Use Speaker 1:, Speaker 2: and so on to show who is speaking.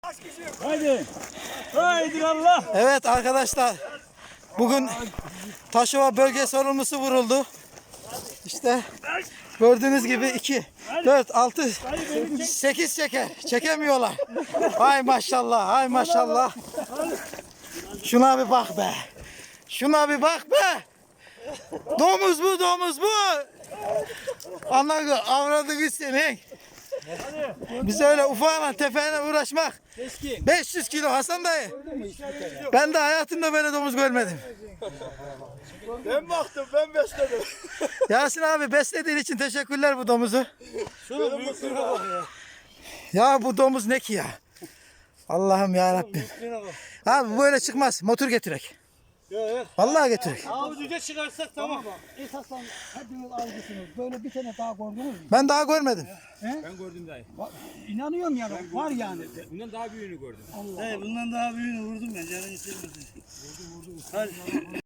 Speaker 1: Haydi. Haydi Allah.
Speaker 2: Evet arkadaşlar. Bugün Taşova bölge sorumlusu vuruldu. İşte gördüğünüz gibi 2, 4, 6, 8 çeker. Çekemiyorlar. Hay maşallah, hay maşallah. Şuna bir bak be. Şuna bir bak be. Domuz bu, domuz bu. Anladın, avradını senin. Biz öyle ufağla tefeğine uğraşmak. 500 kilo Hasan dayı. Ben de hayatımda böyle domuz görmedim.
Speaker 1: Ben baktım, ben besledim.
Speaker 2: Yasin abi beslediğin için teşekkürler bu domuzu.
Speaker 1: Şunun büyüklüğüne bak ya.
Speaker 2: Ya bu domuz ne ki ya? Allah'ım ya Rabbim. Abi böyle çıkmaz. Motor getirek.
Speaker 1: Evet.
Speaker 2: Vallahi getirek.
Speaker 1: Abi düze çıkarsak tamam.
Speaker 3: Esaslan hepiniz algısınız. Böyle bir tane daha gördünüz mü?
Speaker 2: Ben daha görmedim.
Speaker 4: Ben gördüm dayı.
Speaker 3: İnanıyorum yani. Var yani.
Speaker 4: Bundan daha büyüğünü gördüm.
Speaker 1: Bundan daha büyüğünü vurdum ben. Canını istemedi. Vurdum. Hadi.